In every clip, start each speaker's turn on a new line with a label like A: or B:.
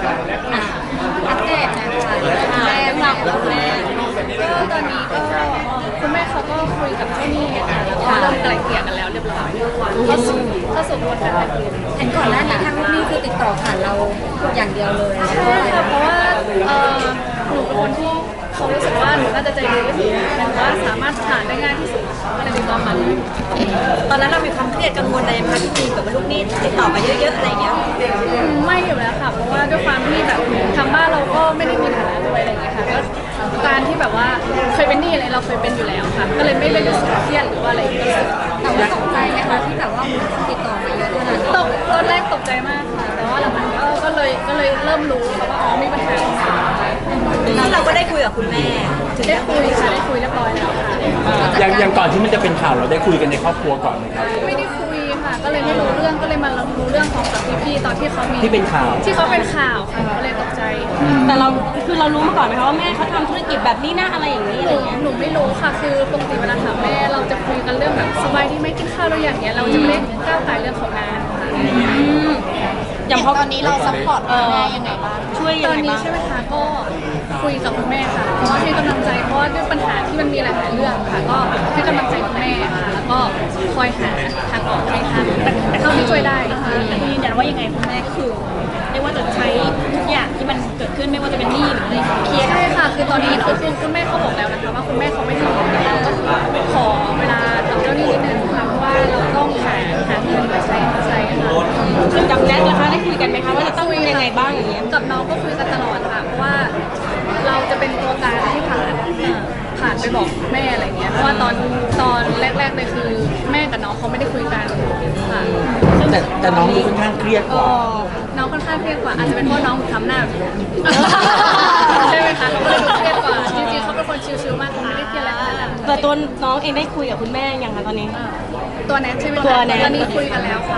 A: อัปเดตนะคะแม่หลักของแม่ก็ตอนนี้ก็คุณแม่เขาก็คุยกับเจ้าหนี้ค่ะแล้วก็เริ่มไกล่เกลี่ยกันแล้วเรียบร้อยเข้าสู่กระบวนการไกล่เกลี่ยเห็นก่อนหน้านี้ทางลูกหนี้คือติดต่อผ่านเราอย่างเดียวเลยใช่ค่ะเพราะว่าหนูเป็นคนที่เขารู้สึกว่าหนูน่าจะใจดีที่สุดหรือว่าสามารถผ่านได้ง่ายที่สุดก็เลยติดต่อมาเลย
B: ตอนนั้นเรามีความเครียดกังวลอะไรไหมคะที่มีแบบลูกหนี้ติดต่อมาเยอะๆอะไรอย่างเงี้ย
A: ไม่อยู่แล้วค่ะเพราะว่าด้วยความที่แบบทางบ้านเราก็ไม่ได้มีฐานะด้วยอะไรอย่างเงี้ยค่ะก็การที่แบบว่าเคยเป็นหนี้อะไรเราเคยเป็นอยู่แล้วค่ะก็เลยไม่รู้สึกเครียดหรือว่าอะไรก็รู้สึกแต่ว่าตกใจไหมคะที่แบบว่าติดต่อมาเยอะขนาดนี้ตอนแรกตกใจมากค่ะแต่ว่าหลังๆก็เลยเริ่มรู้ค่ะว่าอ๋อมีปัญหา
B: แล้วเราก็ได้คุยกับคุณแม่
A: ได้คุยค่ะได้คุยเรียบร้อยแล้วค่ะ
C: อย่างก่อนที่มันจะเป็นข่าวเราได้คุยกันในครอบครัวก่อนไหมครับ
A: ไม่ได้คุยค่ะก็เลยไม่รู้เรื่องก็เลยมารู้เรื่องของกับพี่ๆตอนที่เขามี
C: ที่เป็นข่าว
A: ที่เขาเป็นข่าวค่ะก็เลยตกใจ
B: แต่เราคือเรารู้มาก่อนไหมคะว่าแม่เขาทำธุรกิจแบบนี้นะอะไรอย่างนี้อะไรเงี้ย
A: หนูไม่รู้ค่ะคือปกติเวลาถามแม่เราจะคุยกันเรื่องแบบสบายที่ไม่กินข้าวเราอย่างเงี้ยเราจะไม่ก้าวไก่เรื่องของงานค่ะ
B: อย่าง
A: ตอนนี้เราซัพพอร์ตแม่ยังไงบ้าง
B: ช่วยยังไงบ้าง
A: ตอนนี้ใช่ไหมคะก็คุยกับคุณแม่ค่ะเพราะว่าให้กำลังใจเพราะว่าด้วยปัญหาที่มันมีหลายๆเรื่องค่ะก็ให้กำลังใจคุณแม่ค่ะแล้วก็คอยหาทางออกให้ทันเท่าที่ช่วยได้
B: แต่ยืนยันว่ายังไงคุณแม่ก็คือไม่ว่าจะใช้ทุกอย่างที่มันเกิดขึ้นไม่ว่าจะเป็นหนี้หรืออะไรเคลียร์
A: ใช่ค่ะคือตอนนี้คือคุณแม่เขาบอกแล้วนะคะว่าคุณแม่เขาไม่ทำเราก็ขอเวลากับเจ้าหนี้นิดนึงค่ะเพราะว่าเราต้องหาเงินมาใช้ค่ะ
B: คือกับแนทนะคะได้คุยกันไหมคะว่าจะต้องยังไงบ้างอย่างเงี้ย
A: กับน้องก็คุยกันตลอดค่ะเพราะว่าเราจะเป็นตัวกลางที่ผ่านไปบอกแม่อะไรเงี้ยเพราะว่าตอนแรกๆเลยคือแม่กับน้องเขาไม่ได้คุยกันค่ะ
C: แต่น้องดูค่อนข้างเครียดกว่า
A: น้องค่อนข้างเครียดกว่าอาจจะเป็นเพราะน้องทำหน้าใช่ไหมคะเขาเลยเครียดกว่าจริงๆเขาเป็นคนชิลๆมากเขาไม่ได้เครียดอะไรขนาดนั้น
B: แต่ตัวน้องเองได้คุยกับคุณแม่ยังคะตอนนี้
A: ตัวแนทใช่ไหมคะ
B: ตัวแนท
A: ตอนนี้คุยกันแล้วค่ะ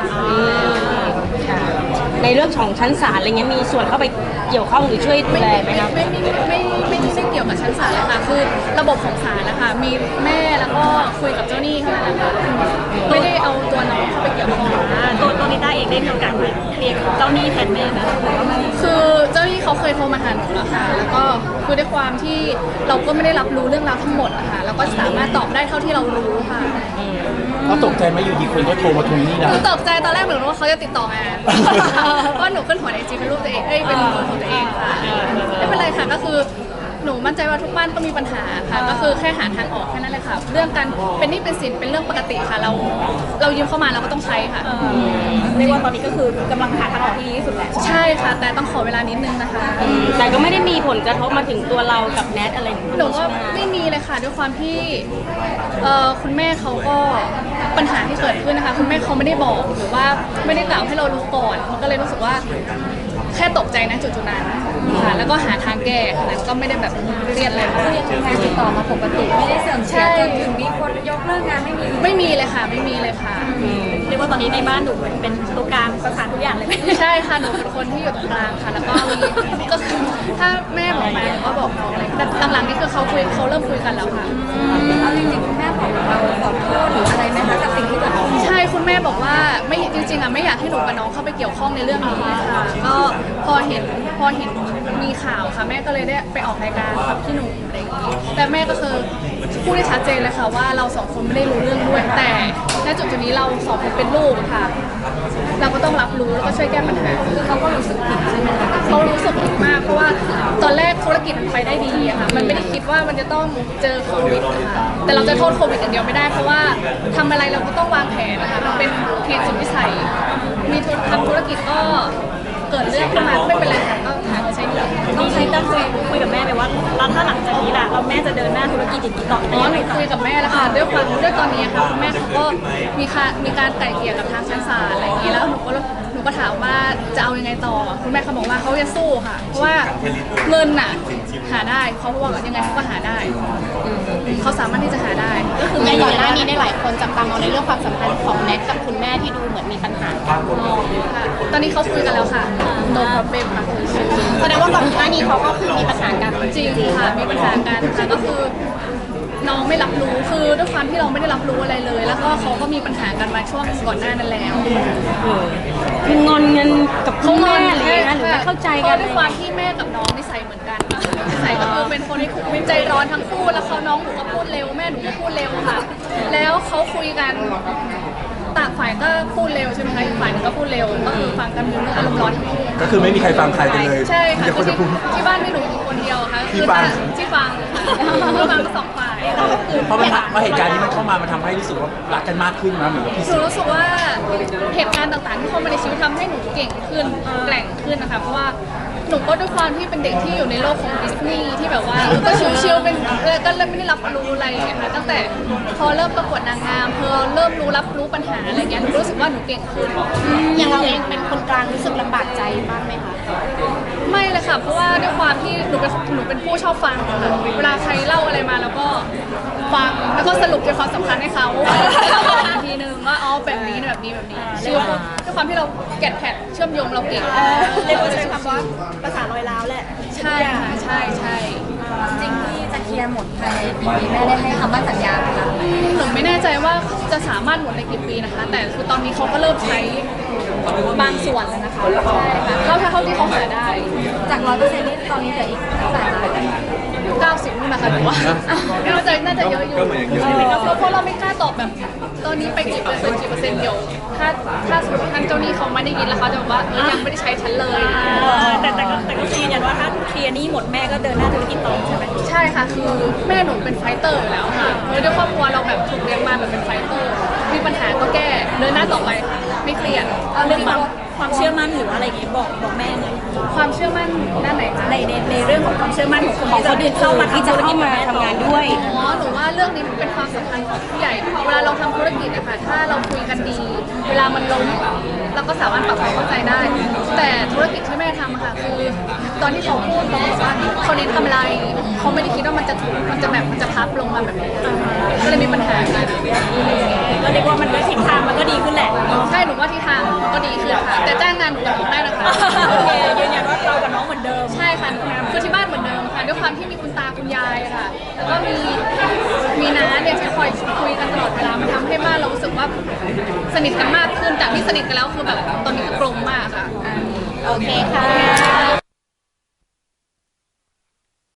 B: ในเรื่องของชั้นศาลอะไรเงี้ยมีส่วนเข้าไปเกี่ยวข้องหรือช่วยดูแลไหมครับ
A: ไม่ได้เกี่ยวกับชั้นศาลเลยค่ะคือระบบของศาลนะคะมีแม่แล้วก็คุยกับเจ้าหนี้เท่านั้นนะคะไม่ได้เอาตัวน้องเข้าไปเกี่ยวข้อง
B: ตัวนิต้าเองได้มีโอกาสเรียกเจ้าหนี้แทนแม่ไหม
A: คือเจ้าหนี้เขาเคยโทรมาหาหนูแล้วค่ะแล้วก็คือด้วยความที่เราก็ไม่ได้รับรู้เรื่องราวทั้งหมดนะคะแล้วก็สามารถตอบได้เท่าที่เรารู้ค่ะ
C: ก็ตกใจไหมอยู่ดีคนก็โทรมาทวงหนี้เรา
A: หนูตกใจตอนแรกเหมือนว่าเขาจะติดต่อมาเพราะหนูขึ้นหัวในจีเป็นรูปตัวเองเป็นรูปของตัวเองค่ะไม่เป็นไรค่ะก็คือหนูมั่นใจว่าทุกบ้านต้องมีปัญหาค่ะก็คือแค่หาทางออกแค่นั้นเลยค่ะเรื่องการเป็นหนี้เป็นสินเป็นเรื่องปกติค่ะเรายืมเข้ามาเราก็ต้องใช้ค่ะ
B: เรียกว่าตอนนี้ก็คือกำลังหาทางออกที่ดีที่สุดแหละ
A: ใช่ค่ะแต่ต้องขอเวลานิดนึงนะคะ
B: แต่ก็ไม่ได้มีผลกระทบมาถึงตัวเรากับแนทอะไร
A: หนูว่าไม่มีเลยค่ะด้วยความที่คุณแม่เขาก็ปัญหาที่เกิดขึ้นนะคะคุณแม่เขาไม่ได้บอกหรือว่าไม่ได้กล่าวให้เรารู้ก่อนมันก็เลยรู้สึกว่าแค่ตกใจนะจุดๆนั้นค่ะแล้วก็หาทางแก้ค่ะก็ไม่ได้แบบเครียดอะไรมาก
B: แค่ติดต่อมาปกติไม่ได้เสื่อมเสียจนถึงมีคนยกเลิกงาน
A: ไม่มีเลยค่ะไม่มีเลยค่ะ
B: เรียกว่าตอนนี้ในบ้านหนูเป็นตัวกลางประสานทุกอย่างเลย
A: ใช่ค่ะหนูเป็นคนที่อยู่ตรงกลางค่ะแล้วก็ก็คือถ้าแม่บอกมาหนูก็บอกน้องอะไรแต่หลังๆนี่คือเขาเริ่มคุยกันแล้วค่ะ
B: เอาจริงๆคุณแม่บอกเราขอโทษหรืออะไรไหมคะกับสิ่งที่เกิดขึ้น
A: ใช่คุณแม่บอกว่าไม่จริงๆอ่ะไม่อยากให้หนูกับน้องเข้าไปเกี่ยวข้องในเรื่องนี้ค่ะก็พอเห็นมีข่าวค่ะแม่ก็เลยได้ไปออกรายการกับพี่หนุ่มอะไรอย่างนี้แต่แม่ก็คือพูดได้ชัดเจนเลยค่ะว่าเราสองคนไม่ได้รู้เรื่องด้วยแต่ณจุดนี้เราสองคนเป็นลูกค่ะเราก็ต้องรับรู้แล้วก็ช่วยแก้ปัญหาคือเขาก็รู้สึกผิดใช่ไหมคะเขารู้สึกผิดมากเพราะว่าตอนแรกธุรกิจมันไปได้ดีอะค่ะมันไม่ได้คิดว่ามันจะต้องเจอโควิดค่ะแต่เราจะโทษโควิดอย่างเดียวไม่ได้เพราะว่าทำอะไรเราก็ต้องวางแผนนะคะมันเป็นเหตุสุดวิสัยมีทำธุรกิจก็เกิดเรื่องขึ้นมาไม่เป็นไรค่ะก็หาใช้เงิน
B: ต้องใช้ตั้งคุยกับแม่ไหมว่าแล้วถ้าหลังจากนี้ล่ะเราแม่จะเดินหน้าธุรกิจอย่างนี้ต่อ
A: หนูคุยกับแม่แล้วค่ะด้วยตอนนี้ค่ะคุณแม่เขาก็มีการไกล่เกลี่ยกับทางชั้นศาลอะไรอย่างนี้แล้วหนูก็ถามว่าจะเอายังไงต่อคุณแม่เขาบอกว่าเขาจะสู้ค่ะเพราะว่าเงินน่ะหาได้เขาบอกว่ายังไงเขาก็หาได้เขาสามารถที่จะหาได้
D: ก็คือในก่อนหน้านี้ในหลายคนจับตามองในเรื่องความสัมพันธ์ของแนทกับคุณแม่ที่ดูเหมือนมีปัญหา
A: ค่ะตอนนี้เขาคุยกันแล้วค่ะโนโปรเบมค่ะ
D: แสดงว่าก่อนหน้านี้เขาก็คือมีปัญหากัน
A: จริงค่ะมีปัญหากันค่ะก็คือน้องไม่รับรู้คือด้วยความที่เราไม่ได้รับรู้อะไรเลย แล้วก็เขาก็มีปัญหากันมาช่วงก่อนหน้านั้นแล้ว
E: คืองอนเงินกับคุณแม่หรือยังไงหรือไม่เข้าใจ
A: เพ
E: กัน
A: ราะด้วยความที่แม่กับน้องนิสัยเหมือนกันนิสัยก็คือเป็นคนที่คุยใจร้อนทั้งคู่แล้วเขาน้องหนูก็พูดเร็วแม่หนูก็พูดเร็วค่ะ แล้วเขาคุยกันต่างฝ่ายก็พูดเร็วใช่ไหมคะอีกฝ่ายหนึงก็พูดเร็วก็คือฟังกันอยู่เรื่องอารมณ์ร้อนทั้งคู่
C: ก็คือไม่มีใครฟังใครกันเลย
A: ใช่ค่ะ
C: มีแต่
A: คื
C: คน
A: อ
C: จะพูด
A: ที่บ้านไม่หนูอยู่คนเดียวค่ะ
C: ที่ฟัง
A: ที่ฟังค่ะก็ฟังทั้งสองฝ่าย
C: เพราะเหตุการณ์นี้มันเข้ามามันทำให้รู้สึกว่ารักกันมากขึ้นนะเหมือนกับพี่
A: หนูรู้สึกว่าเหตุการณ์ต่างๆที่เข้ามาในชีวิตทำให้หนูเก่งขึ้นแกร่งขึ้นนะคะเพราะว่าหนูก็ด้วยความที่เป็นเด็กที่อยู่ในโลกของดิสนีย์ที่แบบว่าก็ชิวๆเป็นก็เลยไม่ได้รับรู้อะไรอย่างเงี้ยค่ะตั้งแต่พอเริ่มประกวดนางงามพอเริ่มรับรู้ปัญหาอะไรเงี้ยหนูรู้สึกว่าหนูเก่งขึ้น
D: อย่างเราเองเป็นคนกลางรู้สึกลำบากใจบ้างไหมคะ
A: ไม่เลยค่ะ เพราะว่าด้วยความที่หนูเป็นผู้ชอบฟังค่ะเวลาใครเล่าอะไรมาแล้วก็ฟังแล้วก็สรุปใจความสำคัญให้เขาบอกอีกทีนึงว่าอ๋อแบบนี้แบบนี้เชื่อด้วยความที่เราแกะแพทเชื่อมโยงเราเก่ง
B: เรียกว่าใช้คำว่าภาษาลอยล้าวแหละ
A: ใช่ค่ะใช่
F: จริงที่จะเคลียร์หมดภายในปีนี้แม่ได้ให้คำมั่นสัญญาไหมคะ
A: หนูไม่แน่ใจว่าจะสามารถหมดในกี่ปีนะคะ แต่คือตอนนี้เขาก็เริ่มใช้บางส่วนแล้วนะคะใช่ค่ะเท่าที่เขาหาได้
F: จาก100%นี่ตอนนี้เหลืออีกเท่าไหร่คะ
A: 90นู่นนะคะหนูว่าน่าจะเยอะอยู่เพราะเราไม่กล้าตอบแบบตอนนี้ไปกี่เปอร์เซ็นต์เดี๋ยวถ้าสมมติท่านเจ้าหนี้เขาไม่ได้ยินแล้วเขาจะบอกว่ายังไม่ได้ใช้ฉันเลย
B: แต่ก็ยืนยันว่าถ้าเคลียร์หนี้หมดแม่ก็เดินหน้าธุรกิจต่อใช่ไหม
A: ใช่ค่ะคือแม่หนูเป็นไฟเตอร์อยู่แล้วค่ะด้วยครอบครัวเราแบบถูกเลี้ยงมาแบบเป็นไฟเตอร์มีปัญหาก็แก้เดินหน้าต่อไปไม่เครียด
B: เรื่องความเชื่อมั่นหรืออะไรอย่างเงี้ยบอกแม่เลย
A: ความเชื่อมั่นด้านไหนคะ
B: ในเรื่องของความเชื่อมั่นของคนที่จะเข้ามา
E: ที่จะเข้ามาทำงานด้วย
A: อ๋อหนูว่าเรื่องนี้มันเป็นความสำคัญของผู้ใหญ่ เวลาเราทำธุรกิจอะค่ะถ้าเราคุยกันดี เวลามันล้มเราก็สามารถปรับความเข้าใจได้ แต่ธุรกิจที่แม่ทำอะค่ะคือ ตอนที่เขาพูดเขาบอกว่าเขาเน้นกำไรเขาไม่ได้คิดว่ามันจะพับลงมาแบบนี้ก็เลยมีปัญหากัน
B: ก็เรียกว่ามันก็ทิศทางมันก็ดีขึ้นแหละ
A: ใช่หนูว่าที่ทางก็ดีขึ้นค่ะ แต่จ้างงานหนูกับหนูได้นะคะ
B: โอเคยืนยันว่าเรากับน้องเหมือนเดิม
A: ใช่ค่ะคือที่บ้านเหมือนเดิมค่ะด้วยความที่มีคุณตาคุณยายค่ะ แล้วก็มีน้าเนี่ยที่คอยคุยกันตลอดเวลามันทำให้บ้านเรารู้สึกว่าสนิทกันมากขึ้นจากที่สนิทกันแล้วคือแบบตอนนี้คือกลมมากค่ะ
D: โอเคค่ะ